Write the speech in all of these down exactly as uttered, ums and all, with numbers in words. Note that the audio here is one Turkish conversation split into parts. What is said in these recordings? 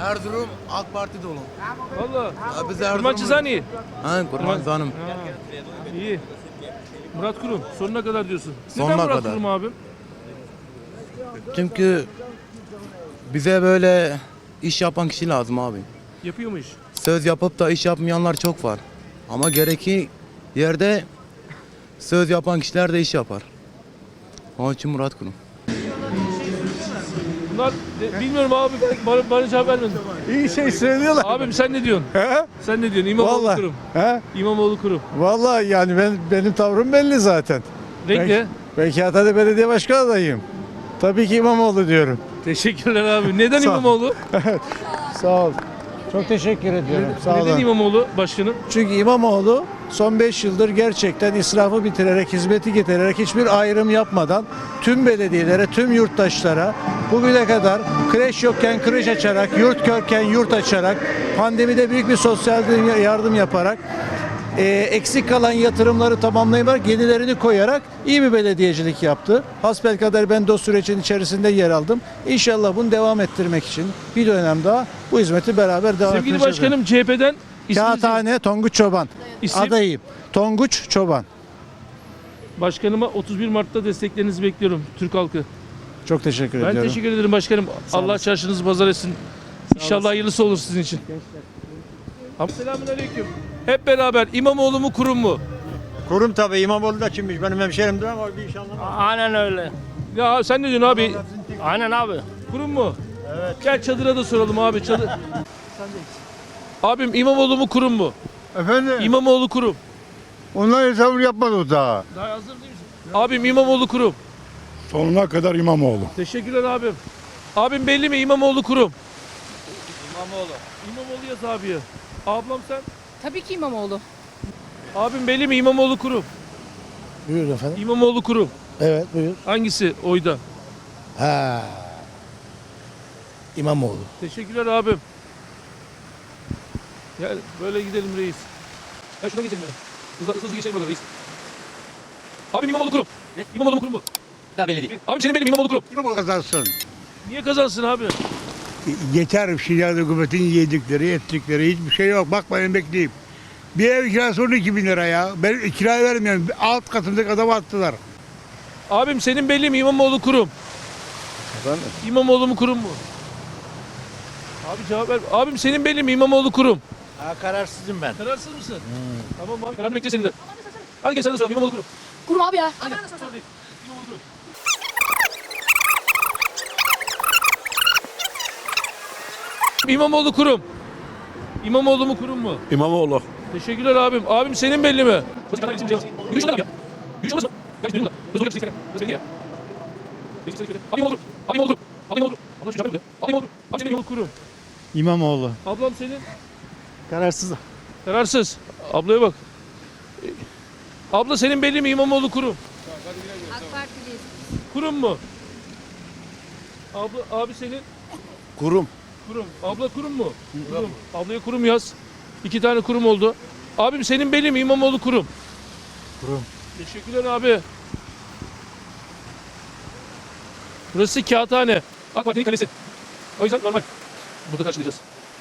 Erzurum AK Parti dolu. Valla. Ya biz Erzurum. Kurban Çizani. Ha Kurban Zanım. İyi. Murat Kurum sonuna kadar diyorsun. Sonuna Neden Murat kadar. Kurum abim? Çünkü bize böyle iş yapan kişi lazım abi. Yapıyor mu iş? Söz yapıp da iş yapmayanlar çok var. Ama gereki yerde söz yapan kişiler de iş yapar. Onun için Murat Kurum. Bunlar de- bilmiyorum abi bana, bana cevap vermedin. İyi şey söylüyorlar. Abim sen ne diyorsun? He? Sen ne diyorsun? İmamoğlu Vallahi. Kurum. He? İmamoğlu Kurum. Vallahi yani ben benim tavrım belli zaten. Renk ne? Ben Kağıthane Belediye Başkanı adayıyım. Tabii ki İmamoğlu diyorum. Teşekkürler abi. Neden Sağ ol. İmamoğlu? Sağ ol. Çok teşekkür ediyorum. Sağ Neden olun. İmamoğlu başkanım? Çünkü İmamoğlu son beş yıldır gerçekten israfı bitirerek, hizmeti getirerek hiçbir ayrım yapmadan tüm belediyelere, tüm yurttaşlara bugüne kadar kreş yokken kreş açarak, yurt körken yurt açarak, pandemide büyük bir sosyal yardım yaparak, e, eksik kalan yatırımları tamamlayarak, yenilerini koyarak iyi bir belediyecilik yaptı. Hasbelkader ben de o sürecin içerisinde yer aldım. İnşallah bunu devam ettirmek için bir dönem daha bu hizmeti beraber devam Sevgili ettireceğiz. başkanım C H P'den isminizi- Kağıthane Tonguç Çoban. İsim? Adayım. Tonguç Çoban. Başkanıma otuz bir Mart'ta desteklerinizi bekliyorum Türk halkı. Çok teşekkür Ben ediyorum. teşekkür ederim başkanım. Allah çarşınızı pazar etsin. İnşallah hayırlısı olur sizin için. Selamun aleyküm. Hep beraber İmamoğlu mu Kurum mu? Kurum tabii İmamoğlu da kimmiş benim hemşerimdir ama bir iş anlamam. Aynen öyle. Ya sen ne diyorsun abi? Aynen abi. Kurum mu? Evet. Gel çadıra da soralım abi. Çadır. Abim İmamoğlu mu Kurum mu? Efendim? İmamoğlu Kurum. Onlar hesabını yapmadı daha. Daha hazır değil misin? Abim İmamoğlu Kurum. Sonuna kadar İmamoğlu. Teşekkürler abim. Abim belli mi İmamoğlu Kurum? İmamoğlu. İmamoğlu yaz abiye. Ablam sen? Tabii ki İmamoğlu. Abim belli mi İmamoğlu Kurum? Buyur efendim. İmamoğlu Kurum. Evet buyur. Hangisi oyda? Ha. İmamoğlu. Teşekkürler abim. Gel böyle gidelim reis. Ya şuna geçelim ya. Hızlı hızlı geçelim böyle reis. Abim İmamoğlu Kurum. Ne? İmamoğlu mu Kurum mu? Daha belli değil. Abim senin benim İmamoğlu Kurum. İmamoğlu kazansın. Niye kazansın abi? Yeter Şirinler hükümetin yedikleri, ettikleri hiçbir şey yok. Bak ben emekliyim. Bir ev kirası on iki bin lira ya. Ben kiraya vermiyorum. Alt katındaki adamı attılar. Abim senin belli mi İmamoğlu Kurum? Efendim? İmamoğlu mu Kurum mu? Abi cevap ver. Abim senin belli mi İmamoğlu Kurum? Ha, kararsızım ben. Kararsız mısın? Tamam abi kararını bekle senin de. Hadi gel sen de soralım İmamoğlu Kurum. Kurum abi ya. Hadi. Sorun değil. İmamoğlu Kurum. İmamoğlu Kurum. İmamoğlu mu Kurum mu? İmamoğlu. Teşekkürler abim. Abim senin belli mi? Yürüyüş olur ya. Yürüyüş olmaz mı? Kaç dönüyor da? Hızlı hızlı hızlı hızlı hızlı Abi İmamoğlu. Abi İmamoğlu. Abi İmamoğlu. Ablam şu cevap veriyor. Abi İmamoğlu. Abi senin İmamoğlu Kurum. İmamoğlu. Ablam senin Kararsız. kararsız. Ablaya bak. Abla senin belli mi İmamoğlu Kurum? AK Partiliyiz. Kurum mu? Abla abi senin Kurum. Kurum. Abla Kurum mu? Kurum. Ablaya Kurum yaz. İki tane Kurum oldu. Abim senin belli mi İmamoğlu Kurum? Kurum. Teşekkürler abi. Burası Kağıthane. AK Parti'nin kalesi. O yüzden normal. Burada karşılayacağız.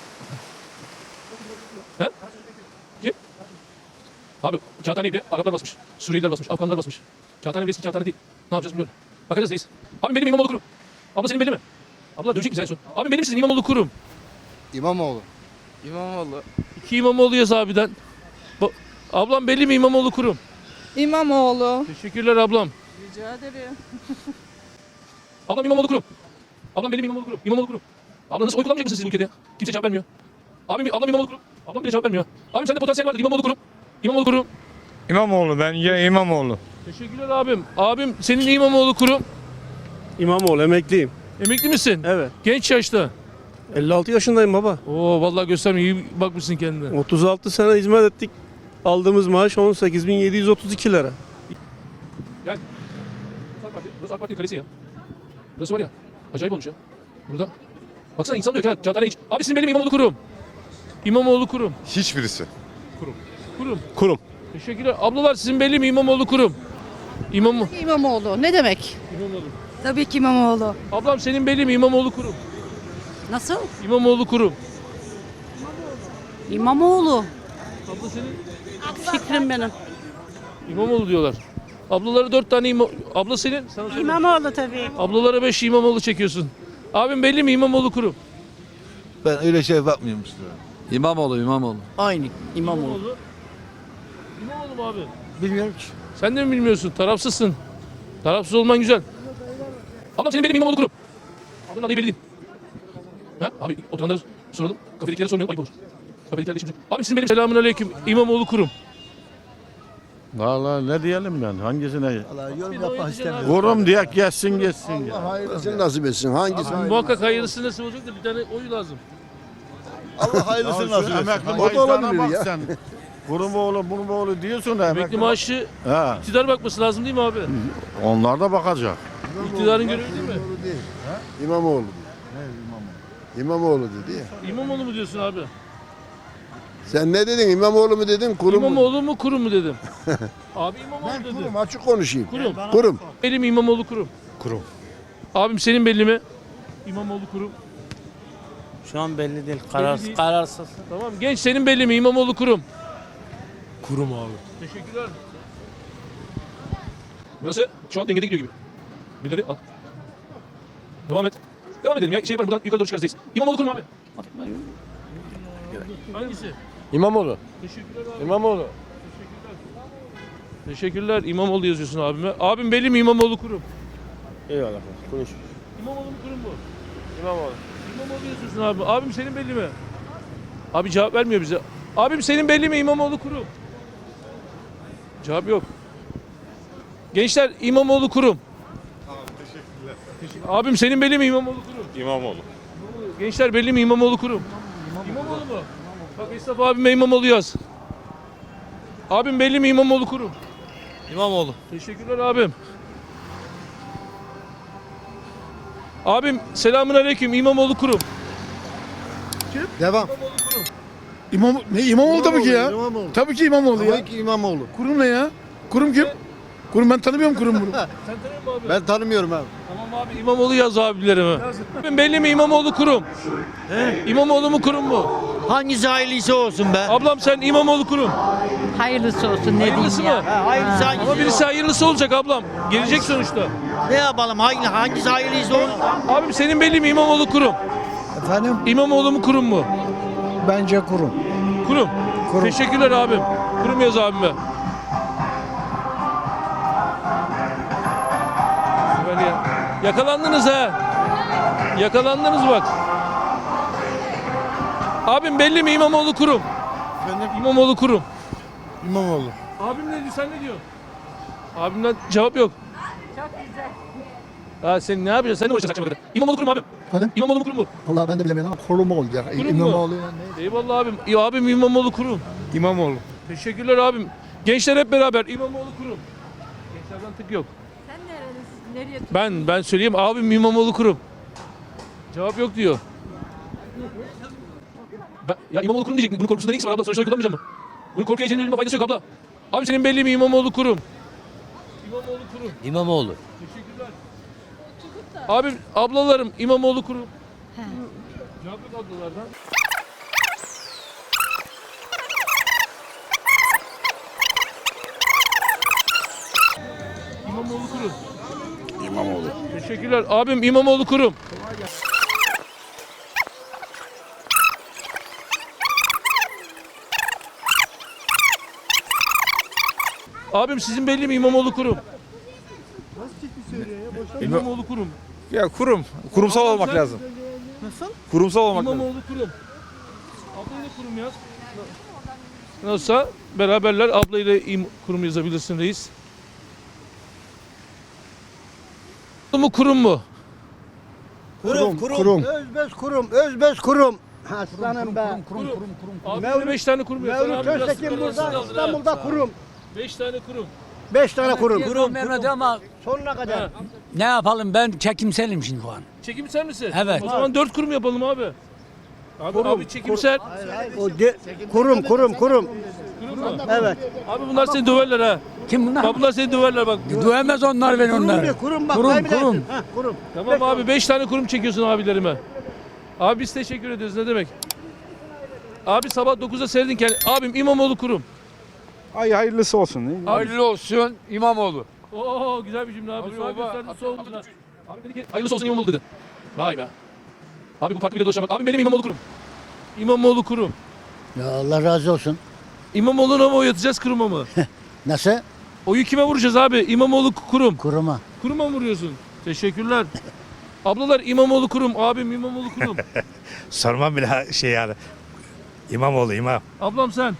He? Kim? Abi Kağıthane'yi bile Araplar basmış. Suriyeliler basmış. Afganlar basmış. Kağıthane eski Kağıthane değil. Ne yapacağız bilmiyorum. Bakacağız reis. Abi benim İmamoğlu Kurum. Abla senin belli mi? Abla dönecek misin en son? Abi benim sizin İmamoğlu Kurum. İmamoğlu. İmamoğlu. İki İmamoğlu yaz abiden. Ba- ablam belli mi İmamoğlu Kurum? İmamoğlu. Teşekkürler ablam. Rica ederim. Ablam İmamoğlu Kurum. Ablam benim İmamoğlu Kurum. İmamoğlu Kurum. Abla nasıl oy kullanmayacak mısın sizin ülkede? Kimse cevap vermiyor. Abim, ablam İmamoğlu Kurum. Ablam bile cevap vermiyor. Abim sende potansiyel vardır. İmamoğlu Kurum. İmamoğlu Kurum. İmamoğlu bence İmamoğlu. Teşekkürler abim. Abim senin İmamoğlu Kurum. İmamoğlu emekliyim. Emekli misin? Evet. Genç yaşta. elli altı yaşındayım baba. Oo vallahi gösterme iyi bakmışsın kendine. otuz altı sene hizmet ettik. Aldığımız maaş on sekiz bin yedi yüz otuz iki lira. Gel. AK Parti. Burası AK Parti kalesi ya. Burası var ya. Acayip olmuş ya. Burada. Baksana insan diyor ki Kağıthane hiç. Abi sizin benim İmamoğlu Kurum. İmamoğlu Kurum. Hiçbirisi. Kurum. Kurum. Teşekkürler. Ablalar sizin belli mi İmamoğlu Kurum? İmam İmamoğlu. Ne demek? İmamoğlu. Tabii ki İmamoğlu. Ablam senin belli mi İmamoğlu Kurum? Nasıl? İmamoğlu kurum. İmamoğlu. Abla senin Fikrim benim. İmamoğlu diyorlar. Ablalara dört tane ima... Abla senin? Sana sorayım. İmamoğlu tabii. Ablalara beş İmamoğlu çekiyorsun. Abim belli mi İmamoğlu kurum? Ben öyle şey bakmıyorum işte. İmamoğlu, İmamoğlu. Aynı İmamoğlu. İmamoğlu. İmamoğlu mu abi? Bilmiyorum ki. Sen de mi bilmiyorsun? Tarafsızsın. Tarafsız olman güzel. Ablam senin benim İmamoğlu kurum. Ablanın adayı belli değil. Ha? Abi oturanlara soralım. Kafedekilere sormayalım ayıp olur. Kafedekilerde işimiz yok. Abi sizin benim selamun aleyküm İmamoğlu kurum. Vallahi ne diyelim ben hangisine? Yorum yapmak istemiyorum. Kurum diye geçsin geçsin. Ya. Hayırlısını nasip etsin. Hangisi? Muhakkak hayırlısı nasıl olacak da bir tane oy lazım. Allah hayırlısını nasip etsin. Emekli O da olabilir maaşlarına ya. bak sen. Kurum oğlu, bunun oğlu diyorsun da Emekli maaşı Ha, iktidar bakması lazım değil mi abi? onlar da bakacak. İktidarın görevi değil mi? İmamoğlu. Ne İmamoğlu? İmamoğlu dedi ya. İmamoğlu mu diyorsun abi? Sen ne dedin? İmamoğlu mu dedin? Kurum mu? İmamoğlu mu kurum mu dedim. Abi İmamoğlu dedi. Kurum açık konuşayım. Kurum. Kurum. Benim İmamoğlu kurum. Kurum. Abim senin belli mi? İmamoğlu kurum. Şu an belli değil. Kararsız- değil. kararsız. Tamam genç senin belli mi? İmamoğlu kurum. Kurum abi. Teşekkürler. Burası şu an dengede gidiyor gibi. Birileri al. Devam et. Devam edelim ya. Şey yaparım buradan yukarı doğru çıkarız. İmamoğlu kurum abi. Hangisi? İmamoğlu. Teşekkürler abi. İmamoğlu. Teşekkürler. İmamoğlu yazıyorsun abime. Abim belli mi İmamoğlu kurum? Eyvallah. Konuş. İmamoğlu mu kurum bu? İmamoğlu. İmamoğlu yazıyorsun abi. Abim senin belli mi? Abi cevap vermiyor bize. Abim senin belli mi İmamoğlu kurum? Cevap yok. Gençler İmamoğlu kurum. Teşekkürler. Abim senin belli mi İmamoğlu kurum? İmamoğlu. Gençler belli mi İmamoğlu kurum? İmamoğlu mu? Bak Esnaf abime İmamoğlu yaz. Abim belli mi İmamoğlu kurum? İmamoğlu. Teşekkürler abim. Abim selamun aleyküm İmamoğlu kurum. Devam. İmam, ne İmamoğlu tabii ki ya. İmamoğlu. Tabii ki İmamoğlu ya. Tabii ki İmamoğlu. Kurum ne ya? Kurum kim? Kurum ben tanımıyorum kurum bunu. Sen tanıyor musun abi? Ben tanımıyorum abi. Tamam abi İmamoğlu yaz abilerime. Abim belli mi İmamoğlu kurum? He? İmamoğlu mu kurum mu? Hangisi hayırlısı olsun be? Ablam sen İmamoğlu kurum. Hayırlısı olsun ne Hayırlısı mı? Hayırlısı hangisi? Ama birisi hayırlısı olacak ablam. Gelecek sonuçta. Ne yapalım? Hangi, hangisi hayırlısı olsun? Abim senin belli mi İmamoğlu kurum? Efendim İmamoğlu mu kurum mu? bence kurum. Kurum. Kurum. Teşekkürler abim. Kurum yaz abime. Böyle ya. Yakalandınız ha. Yakalandınız bak. Abim belli mi İmamoğlu kurum? İmamoğlu kurum. İmamoğlu. Abim ne diyor sen ne diyorsun? Abimden cevap yok. Çok güzel. Ha sen ne yapacaksın? Sen ne uğraşacaksın akşama kadar? İmamoğlu kurum abim. Efendim? İmamoğlu mu kurum mu? Vallahi ben de bilemiyorum ama kurum olacak. Kurum mu? İmamoğlu ne? Eyvallah abim. Ya abim İmamoğlu kurum. İmamoğlu. Teşekkürler abim. Gençler hep beraber İmamoğlu kurum. Gençlerden tık yok. Sen nerelisin? Nereye Ben ben söyleyeyim abim İmamoğlu kurum. Cevap yok diyor. Ben, ya İmamoğlu kurum diyecek. Bunun korkusunda neyse var abla. Sonuçta kullanmayacağım mı? Bunun korku heyecanının elime faydası yok abla. Abi senin belli mi İmamoğlu kurum? İmamoğlu kurum. İmamoğlu. Teşekkürler. Abim ablalarım İmamoğlu kurum. Cevap yok ablalardan. İmamoğlu kurum. İmamoğlu. Teşekkürler. Abim İmamoğlu kurum. Abim sizin belli mi İmamoğlu kurum? İmamoğlu kurum. Ya kurum. Kurumsal olmak sen- lazım. Nasıl? Kurumsal olmak lazım. İmamoğlu kurum. Ablayla kurum yaz. Nasılsa beraberler ablayla im kurum yazabilirsin reis. Kurum mu kurum mu? Kurum, kurum. Özbez kurum, özbez kurum. Aslanım be. Kurum. Abi beş tane kurum yaz. Mevlüt Öztekin burada, İstanbul'da kurum. Beş tane kurum. Beş tane kurum. Kurum Mehmet ama Sonuna kadar. ne yapalım ben çekimselim şimdi şu an. Çekimser misin? Evet. O zaman dört kurum yapalım abi. Abi, abi çekimser. O de, kurum, kurum, kurum. Kurum mu? Evet. Abi bunlar seni döverler ha. Kim bunlar? Bak bunlar seni döverler bak. Dövemez onlar beni Kurum onlar. diyor, kurum bak. Kurum, kaybedersin. kurum. Ha, kurum. Tamam abi beş tane kurum çekiyorsun abilerime. Abi biz teşekkür ediyoruz, ne demek. Abi sabah dokuzda seyredin kendi. Abim İmamoğlu kurum. Ay hayırlısı olsun. Hayırlı olsun İmamoğlu. Oo güzel bir cümle abi. Abi Sual baba, gösterdi, soğudu. Abi dedi ki hayırlısı olsun İmamoğlu dedi. Vay be. Abi bu farklı bir dolaşamak. Abi benim İmamoğlu kurum. İmamoğlu kurum. Ya Allah razı olsun. İmamoğlu'na mı oy atacağız, kuruma mı? Nasıl? Oyu kime vuracağız abi? İmamoğlu kurum. Kuruma. Kuruma mı vuruyorsun? Teşekkürler. Ablalar İmamoğlu kurum. Abim İmamoğlu kurum. Sormam bile şey yani. İmamoğlu imam. Ablam sen.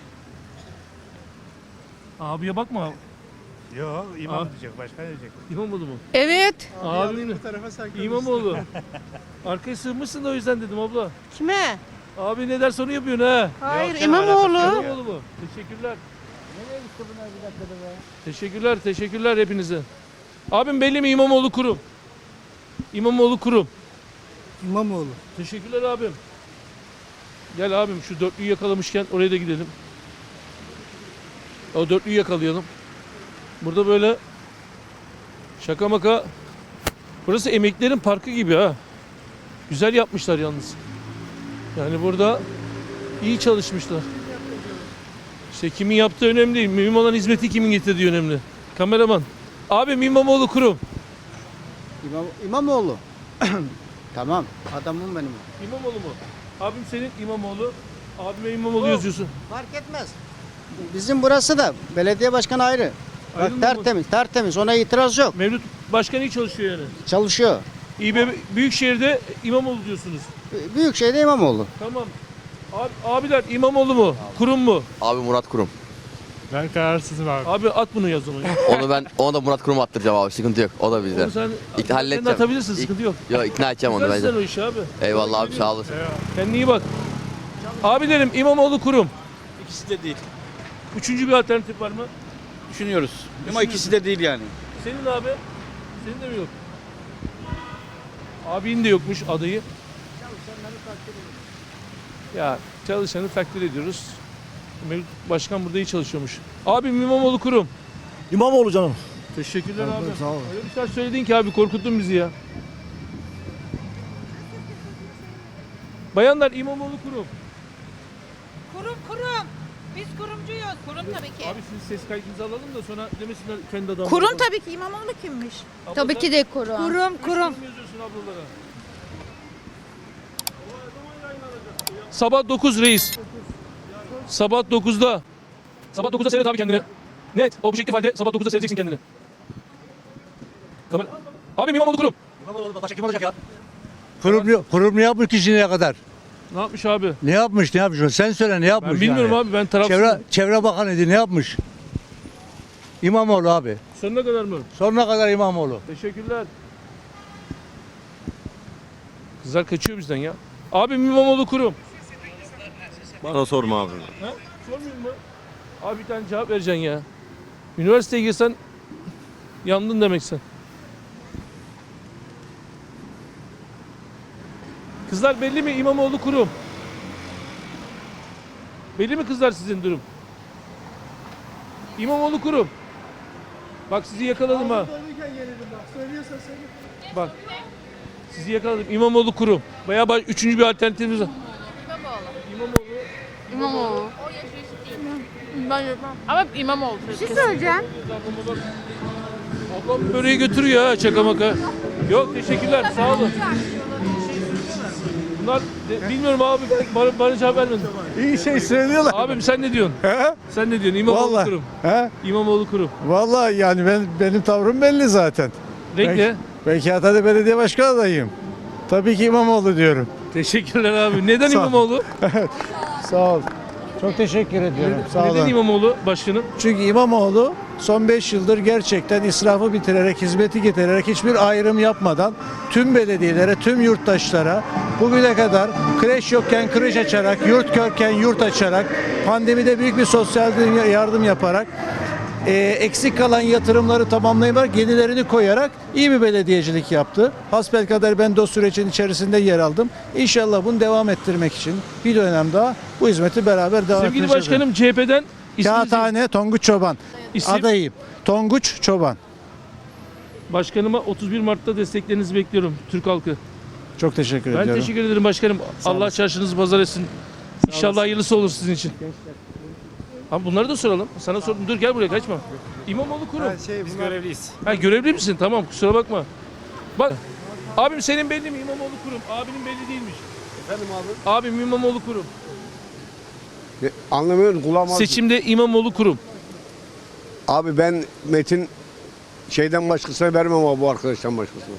Abiye bakma. Yok imam diyecek başka ne diyecek? İmamoğlu mu? Evet. Abim mi? İmamoğlu. Arkaya sığmışsın da o yüzden dedim abla. Kime? Abi ne derse onu yapıyorsun ha. Hayır İmamoğlu. İmamoğlu mu? Teşekkürler. Teşekkürler, teşekkürler hepinize. Abim belli mi İmamoğlu kurum? İmamoğlu kurum. İmamoğlu. Teşekkürler abim. Gel abim şu dörtlüyü yakalamışken oraya da gidelim. O dörtlüyü yakalayalım. Burada böyle şaka maka. Burası emeklilerin parkı gibi ha. Güzel yapmışlar yalnız. Yani burada iyi çalışmışlar. İşte kimin yaptığı önemli değil. Mühim olan hizmeti kimin getirdiği önemli. Kameraman. Abim İmamoğlu kurum. İmam, İmamoğlu. Tamam. Adamım benim. İmamoğlu mu? Abim senin İmamoğlu. Abime İmamoğlu yazıyorsun. Fark etmez. Bizim burası da belediye başkanı ayrı. Bak, Ayrı mı bu? tertemiz, tertemiz. Ona itiraz yok. Mevlüt Başkan iyi çalışıyor yani. Çalışıyor. İBB Büyükşehir'de İmamoğlu diyorsunuz. Büyükşehir'de İmamoğlu. Tamam. Abi, abiler İmamoğlu mu? Kurum mu? Abi Murat Kurum. Ben kararsızım abi. Abi at bunu yaz onu. Onu ben onu da Murat Kurum'a attıracağım abi. Sıkıntı yok. O da bizden. Onu sen, İkna sen halledeceğim. de atabilirsin, sıkıntı yok. Yok ikna edeceğim onu Güzel sen bence. o işi abi. Eyvallah abi sağ olasın. Kendine iyi bak. Abilerim İmamoğlu kurum. İkisi de değil. Üçüncü bir alternatif var mı? Düşünüyoruz. Ama ikisi de değil yani. Senin abi? Senin de mi yok? Abinin de yokmuş adayı. Ya çalışanı takdir ediyoruz. Mevlüt Başkan burada iyi çalışıyormuş. Abim İmamoğlu kurum. İmamoğlu canım. Teşekkürler abi. Sağ ol. Öyle bir şey söyledin ki abi korkuttun bizi ya. Bayanlar İmamoğlu kurum. Kurum kurum. Biz kurumcuyuz. Kurum tabii ki. Abi sizin ses kaydınızı alalım da sonra demesinler kendi adamları. Kurum tabii ki. İmamoğlu kimmiş? Abla Tabii sen ki de kurum. Kurum kurum yazıyorsun ablalara. Sabah dokuz reis. Sabah dokuzda. Sabah dokuzda seyret abi kendini. Net. Objektif halde sabah dokuzda seyredeceksin kendini. Kamera. Abi İmamoğlu kurum. Kurum, kurum ne yapmış ki şimdiye kadar? Ne yapmış abi? Ne yapmış, ne yapmış? Sen söyle ne yapmış Ben bilmiyorum yani? abi, ben tarafsızım. Çevre, Çevre Bakanıydı, ne yapmış? İmamoğlu abi. Sonuna kadar mı? Sonuna kadar İmamoğlu. Teşekkürler. Kızlar kaçıyor bizden ya. Abim İmamoğlu kurum. Bana sorma abi. Ha? Sormayayım mı? Abi bir tane cevap vereceksin ya. Üniversiteye girsen yandın demek sen. Kızlar belli mi İmamoğlu kurum? Belli mi kızlar sizin durum? İmamoğlu kurum. Bak sizi yakaladım ha. Bak. Sizi yakaladım. İmamoğlu kurum. Bayağı baş, üçüncü bir alternatifimiz var. İmamoğlu. İmamoğlu. Ben yapmam. Ama İmamoğlu. Bir şey söyleyeceğim. Ablam böreği götürüyor ha şaka maka. Yok teşekkürler sağ olun. Bunlar de, bilmiyorum abi bana, bana cevap vermedin. İyi şey söylüyorlar. Abim sen ne diyorsun? Sen ne diyorsun? İmamoğlu Vallahi. kurum. He? İmamoğlu kurum. Vallahi yani ben benim tavrım belli zaten. Renk ne? Ben Kağıthane Belediye Başkanı adayım. Tabii ki İmamoğlu diyorum. Teşekkürler abi. Neden Sağ ol. İmamoğlu? Sağ ol. Çok teşekkür ediyorum. Sağ Neden olun. İmamoğlu başkanım? Çünkü İmamoğlu son beş yıldır gerçekten israfı bitirerek, hizmeti getirerek hiçbir ayrım yapmadan tüm belediyelere, tüm yurttaşlara bugüne kadar kreş yokken kreş açarak, yurt körken yurt açarak, pandemide büyük bir sosyal yardım yaparak, e, eksik kalan yatırımları tamamlayarak, yenilerini koyarak iyi bir belediyecilik yaptı. Hasbelkader ben de o sürecin içerisinde yer aldım. İnşallah bunu devam ettirmek için bir dönem daha bu hizmeti beraber devam Sevgili ettireceğiz. başkanım C H P'den isminizi- Kağıthane Tonguç Çoban. İsim? Adayım. Tonguç Çoban. Başkanıma otuz bir Mart'ta desteklerinizi bekliyorum Türk halkı. Çok teşekkür Ben ediyorum. teşekkür ederim başkanım. Allah çarşınızı pazar etsin. İnşallah hayırlısı olur sizin için. Abi bunları da soralım. Sana sordum. Dur gel buraya kaçma. İmamoğlu kurum. Biz görevliyiz. Ha görevli misin? Tamam kusura bakma. Bak abim senin belli mi? İmamoğlu kurum. Abinin belli değilmiş. Efendim abi? Abim İmamoğlu kurum. Anlamıyorum kulağım Seçimde İmamoğlu kurum. Abi ben Metin şeyden başkasına vermem ama bu arkadaştan başkasına.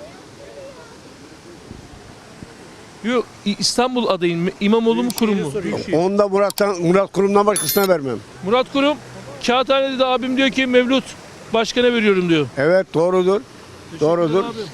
Yok İ- İstanbul adayın İmamoğlu mu kurum mu? Onu da Murat'tan, Murat Kurum'dan başkasına vermem. Murat Kurum. Kağıthane'de de abim diyor ki Mevlüt başkana veriyorum diyor. Evet doğrudur. Doğrudur. Abim.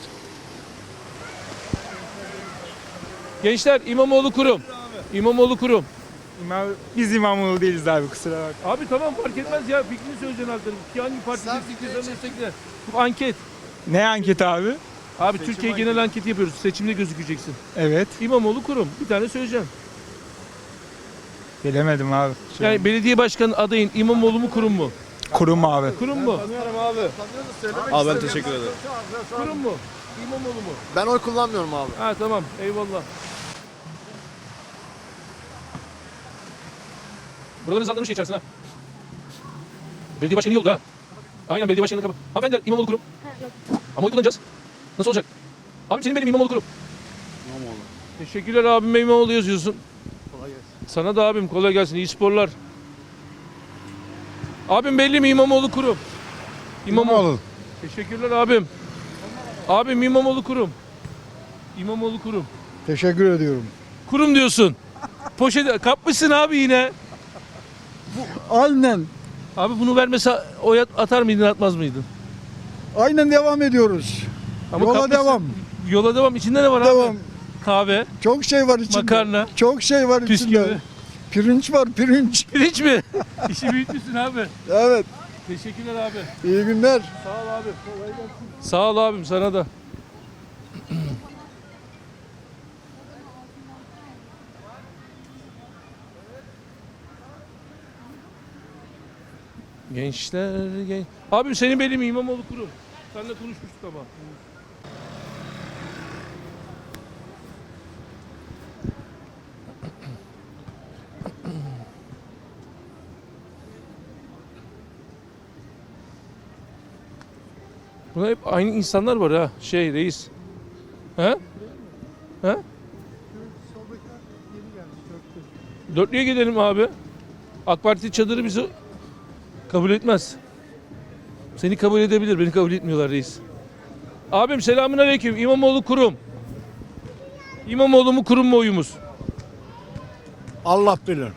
Gençler İmamoğlu kurum. İmamoğlu kurum. Biz İmamoğlu değiliz abi kusura bak. Abi tamam fark etmez ya fikrini söyleyeceksin artık. Ki hangi parti destekliyorsan destekle. Bu anket. Ne anket abi? Abi Türkiye genel anketi yapıyoruz. Seçimde gözükeceksin. Evet. İmamoğlu kurum. Bir tane söyleyeceksin. Bilemedim abi. Yani belediye başkanı adayın İmamoğlu mu kurum mu? Kurum abi. Kurum mu? Abi ben teşekkür ederim. Kurum mu? İmamoğlu mu? Ben oy kullanmıyorum abi. Ha tamam eyvallah. Buraları hızlandırmış şey içerisine. Belediye başkanı iyi oldu ha. Aynen belediye başkanı kapı. Hanımefendiler İmamoğlu kurum. Ama oy kullanacağız. Nasıl olacak? Abim senin benim İmamoğlu kurum. İmamoğlu. Teşekkürler abim İmamoğlu yazıyorsun. Kolay gelsin. Sana da abim kolay gelsin. İyi sporlar. Abim belli mi İmamoğlu kurum? İmamoğlu. Teşekkürler abim. Abim İmamoğlu kurum. İmamoğlu kurum. Teşekkür ediyorum. Kurum diyorsun. Poşet kapmışsın abi yine. Aynen. Abi bunu vermese oy at- atar mıydın atmaz mıydın? Aynen devam ediyoruz. Ama Yola kapmışsın. devam. Yola devam. İçinde ne var Devam. abi? Kahve, Çok şey var içinde. makarna, Çok şey var bisküvi. içinde. Pirinç var, pirinç. Pirinç mi? İşi büyütmüşsün abi. Evet. Teşekkürler abi. İyi günler. Sağ ol abi. Sağ ol abim sana da. Gençler gen... Abim senin belli mi İmamoğlu kurum? Seninle konuşmuştuk ama. Burada hep aynı insanlar var ha. Şey reis. He? He? Dörtlüye gidelim abi. AK Parti çadırı bizi kabul etmez. Seni kabul edebilir, beni kabul etmiyorlar reis. Abim selamünaleyküm. İmamoğlu kurum. İmamoğlu mu kurum mu oyumuz? Allah bilir.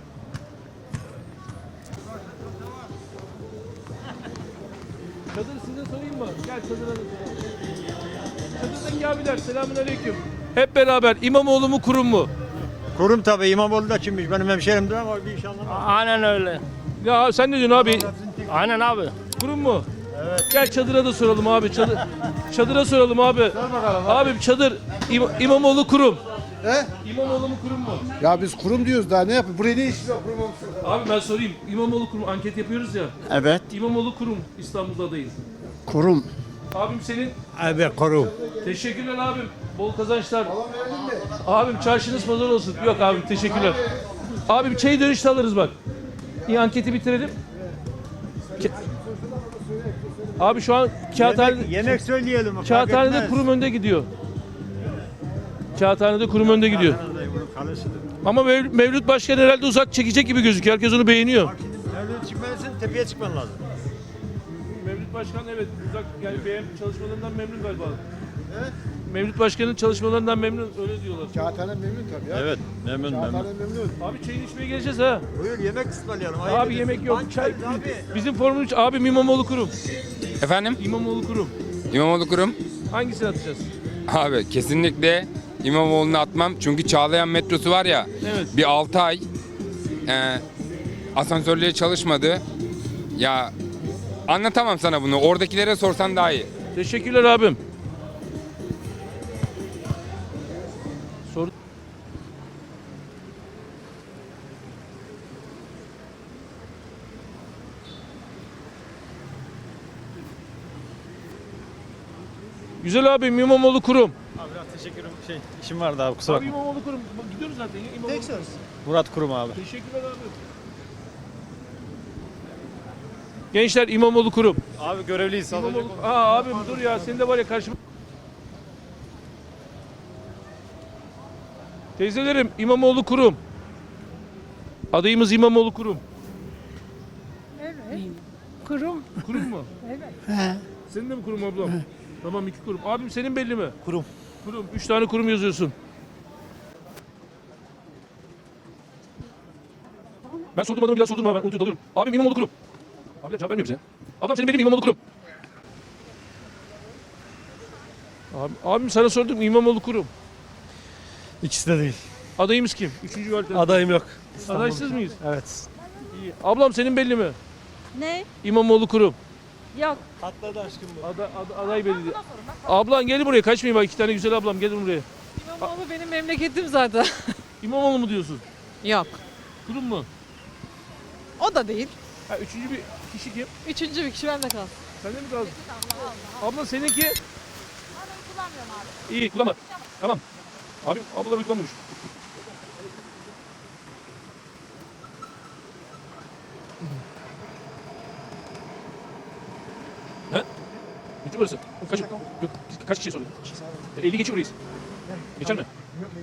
Çadır size sorayım mı? Gel çadıra da soralım. Çadırdaki abiler selamünaleyküm. Hep beraber İmamoğlu mu kurum mu? Kurum tabii İmamoğlu da kimmiş benim hemşerimdir ama bir iş anlamam. Aynen öyle. Ya sen ne diyorsun abi? Aynen abi. Kurum mu? Evet. Gel çadıra da soralım abi. Çadır, çadıra soralım abi. Abi çadır İma- İmamoğlu kurum. He? İmamoğlu mu kurum mu? Ya biz kurum diyoruz daha ne yapıyor? Buraya ne iş var kurum olmuş? Abi ben sorayım. İmamoğlu kurum anket yapıyoruz ya. Evet. İmamoğlu kurum İstanbul'da adayız. Kurum. Abim senin. Evet kurum. Teşekkürler abim. Bol kazançlar. Abim çarşınız pazar olsun. Yok abim teşekkürler. Abim çayı dönüşte alırız bak. İyi anketi bitirelim. Ke- Abi şu an kağıthane, Yemek söyleyelim. fark kağıthanede etmez. kurum önde gidiyor. Kağıthanede kurum önde gidiyor. Ama Mev- Mevlüt Başkan herhalde uzak çekecek gibi gözüküyor. Herkes onu beğeniyor. Nereden çıkmalısın? Tepeye çıkman lazım. Mevlüt Başkan evet uzak yani beğen çalışmalarından memnun galiba. Evet. Mevlüt Başkan'ın çalışmalarından memnun öyle diyorlar. Kağıthane memnun tabii ya. Evet memnun memnun. Kağıthane memnun. Abi çayını içmeye geleceğiz ha. Buyur yemek ısmarlayalım. Abi yemek yok. Çay. Bizim formumuz abi İmamoğlu kurum. Efendim? İmamoğlu kurum. İmamoğlu kurum. Hangisini atacağız? Abi kesinlikle İmamoğlu'nu atmam. Çünkü Çağlayan metrosu var ya. Evet. Bir altı ay e, asansörleri çalışmadı. Ya anlatamam sana bunu. Oradakilere sorsan daha iyi. Teşekkürler abim. Sor. Güzel abim İmamoğlu kurum. Abi biraz Teşekkürüm. Şey, işim vardı abi kusura Abi bakma. İmamoğlu kurum. Bak, gidiyoruz zaten. İmamoğlu Tek söz. Murat Kurum abi. Teşekkürler abi. Gençler İmamoğlu kurum. Abi görevliyiz. İmamoğlu... Aa abim dur ya senin de var ya karşıma. Teyzelerim İmamoğlu kurum. Adayımız İmamoğlu kurum. Kurum. Kurum mu? He. Senin de mi kurum ablam? Tamam iki kurum. Abim senin belli mi? Kurum. Kurum. Üç tane kurum yazıyorsun. Ben sordum adamı bir daha sordum ha ben unutup dalıyorum. Abim İmamoğlu kurum. Abi cevap vermiyor bize. Ablam senin belli mi İmamoğlu kurum? Abi, abim sana sordum İmamoğlu kurum. İkisi de değil. Adayımız kim? Üçüncü valide. Adayım yok. Adaysız mıyız? Evet. İyi. Ablam senin belli mi? Ne? İmamoğlu kurum. Yok. Atladı aşkım bu. Ada, ada- aday belli değil. Ablan gel buraya kaçmayın bak iki tane güzel ablam gelin buraya. İmamoğlu benim memleketim zaten. İmamoğlu mu diyorsun? Yok. Kurum mu? O da değil. Ha, üçüncü bir kişi kim? Üçüncü bir kişi bende kalsın. Sende mi kaldı? Abla seninki? İyi kullanma. Tamam. Abim ablalar kullanmıyormuş. He? Bitti burası. Kaç, yok, kaç kişiye sordun? elli geçiyor reis. Geçer mi?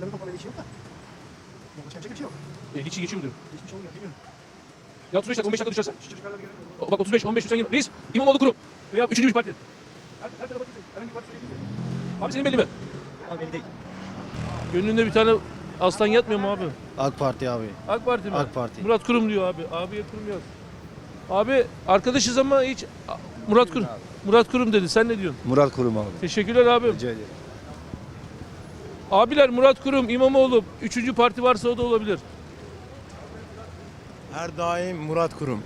elli kişi geçiyor mu diyorum? Ya otuz beş dakika on beş dakika düşersen. O, bak otuz beş on beş sen gel. Reis İmamoğlu kurum. Veya üçüncü bir parti. Her, her tarafa gitsin. Herhangi bir parti söyleyebilirsin. Abi senin belli mi? Abi belli değil. Gönlünde bir tane aslan yatmıyor mu abi? AK Parti abi. AK Parti mi? AK Parti. Murat Kurum diyor abi. Abiye Kurum yaz. Abi arkadaşız ama hiç Murat Kurum. Murat Kurum dedi. Sen ne diyorsun? Murat Kurum abi. Teşekkürler abim. Rica ederim. Abiler Murat Kurum, İmamoğlu. Üçüncü parti varsa o da olabilir. Her daim Murat Kurum.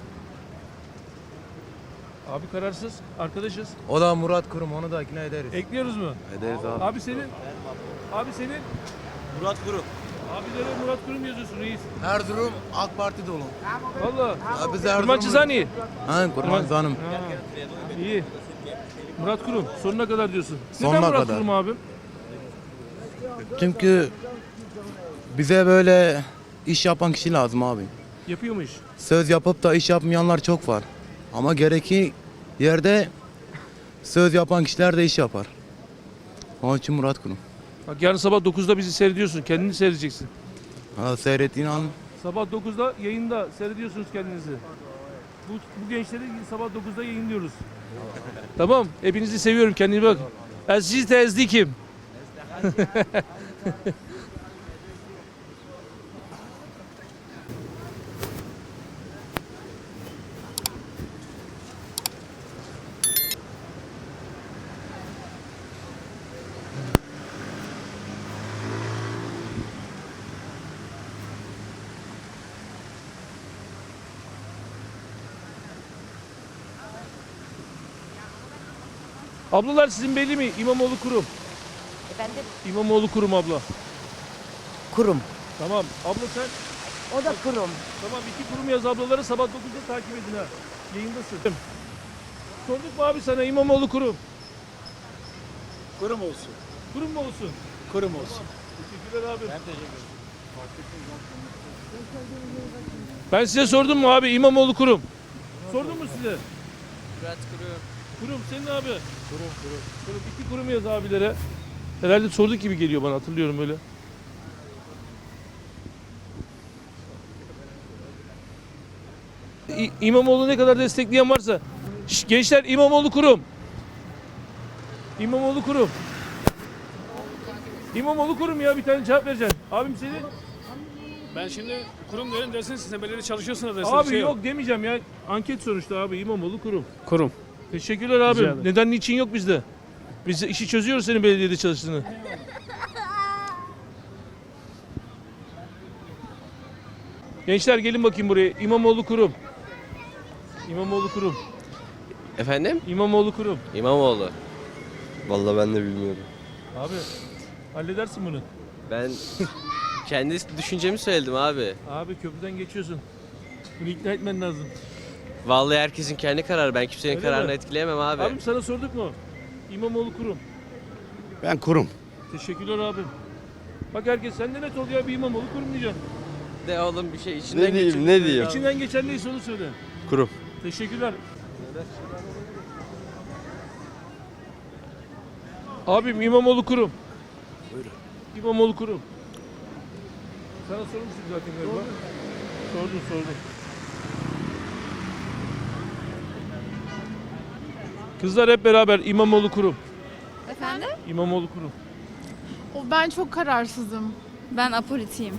Abi kararsız. Arkadaşız. O da Murat Kurum, onu da ikna ederiz. Ekliyoruz mu? Ederiz abi. Abi senin? Abi senin? Murat Kurum. Abilere Murat Kurum yazıyorsun reis. Her durum AK Parti dolu. Valla. Ya biz her Kurban durum- Çizani. Ha, Kurban Zanım. İyi. Murat Kurum. Sonuna kadar diyorsun. Sonuna Neden Murat kadar. Kurum abim? Çünkü bize böyle iş yapan kişi lazım abi. Yapıyor mu iş? Söz yapıp da iş yapmayanlar çok var. Ama gereki yerde söz yapan kişiler de iş yapar. Onun için Murat Kurum. Bak yarın sabah dokuzda bizi seyrediyorsun. Kendini seyredeceksin. Ha, seyrettiğin an Sabah dokuzda yayında seyrediyorsunuz kendinizi. Bu, bu gençleri sabah dokuzda yayınlıyoruz. Tamam. Hepinizi seviyorum. Kendine bak. Ben sizi tezdikim. Ablalar sizin belli mi? İmamoğlu Kurum. Efendim? İmamoğlu Kurum abla. Kurum. Tamam. Abla sen O da kurum. tamam iki kurum yaz ablaları sabah dokuzda takip edin ha. Yayındasın. Sorduk mu abi sana İmamoğlu Kurum? Kurum olsun. Kurum mu olsun? Kurum olsun. Teşekkürler abi. Ben teşekkür ederim. Ben size sordum mu abi İmamoğlu Kurum? Sordum mu size? Murat Kurum. Kurum senin abi. Kurum kurum. Kurum iki kurum yaz abilere. Herhalde sorduk gibi geliyor bana hatırlıyorum öyle. İ- İmamoğlu ne kadar destekleyen varsa. Şş, gençler İmamoğlu Kurum. İmamoğlu Kurum. İmamoğlu Kurum ya bir tane cevap vereceksin. Abim senin? Ben şimdi kurum diyorum dersin sen belediye çalışıyorsun dersin. Abi yok demeyeceğim ya. Anket sonuçta abi İmamoğlu Kurum. Kurum. Teşekkürler abi. Rica ederim. Neden niçin yok bizde? Biz de işi çözüyoruz senin belediyede çalıştığını. Gençler gelin bakayım buraya. İmamoğlu Kurum. İmamoğlu Kurum. Efendim? İmamoğlu Kurum. İmamoğlu. Vallahi ben de bilmiyorum. Abi halledersin bunu. Ben kendi düşüncemi söyledim abi. Abi köprüden geçiyorsun. Bunu ikna etmen lazım. Vallahi herkesin kendi kararı. Ben kimsenin Öyle kararını mi? etkileyemem abi. Abim sana sorduk mu? İmamoğlu Kurum. Ben kurum. Teşekkürler abim. Bak herkes sen de net ol ya, bir İmamoğlu kurum diyeceksin. De oğlum bir şey içinden Ne diyeyim, geçiyor. ne diyeyim? İçinden geçen neyse onu söyle. Kurum. Teşekkürler. Abim İmamoğlu kurum. Buyurun. İmamoğlu kurum. Sana sormuştum zaten galiba. Sordum sordum. Kızlar hep beraber İmamoğlu kurum. Efendim? İmamoğlu kurum. O ben çok kararsızım. Ben apolitiyim.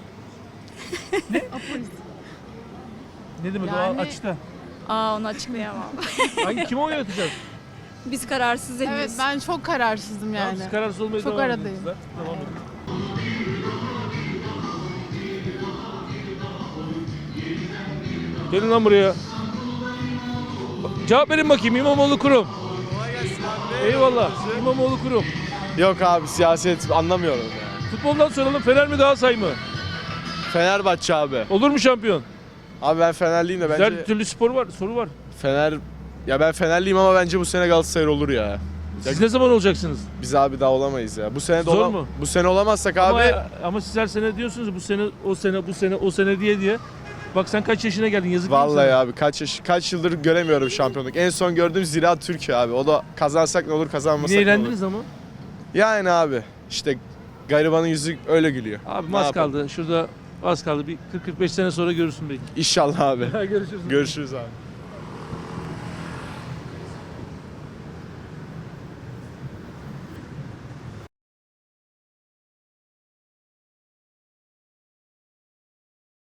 Ne demek Yani- o açta? Aa onu açıklayamam. Hangi kime oy atacağız? Biz kararsız değiliz. Evet ben çok kararsızım Yani. yani. Siz kararsız olmaya Çok devam edin aradayım. kızlar. Devam edin. Gelin lan buraya. Cevap verin bakayım, İmamoğlu kurum. Eyvallah. İmamoğlu kurum. Yok abi siyaset anlamıyorum ya. Futboldan soralım, Fener mi Galatasaray mı? Fenerbahçe abi. Olur mu şampiyon? Abi ben Fenerliyim de bence Her türlü spor var, soru var. Fener ya ben Fenerliyim ama bence bu sene Galatasaray olur ya. Siz ne zaman olacaksınız? Biz abi daha olamayız ya. Bu sene de Zor ola- mu? Bu sene olamazsak abi Ama, ama siz her sene diyorsunuz ya, bu sene, o sene, bu sene, o sene diye diye. Bak sen kaç yaşına geldin, yazık değil mi vallahi sana? abi kaç yaş kaç yıldır göremiyorum şampiyonluk. En son gördüğüm Ziraat Türkiye abi. O da kazansak ne olur, kazanmasak Yine ne olur. eğlendiniz ama. Yani abi işte garibanın yüzü öyle gülüyor. Abi Ne az yapalım? kaldı. Şurada az kaldı. Bir kırk kırk beş sene sonra görürsün belki. İnşallah abi. Görüşürüz. Görüşürüz abi.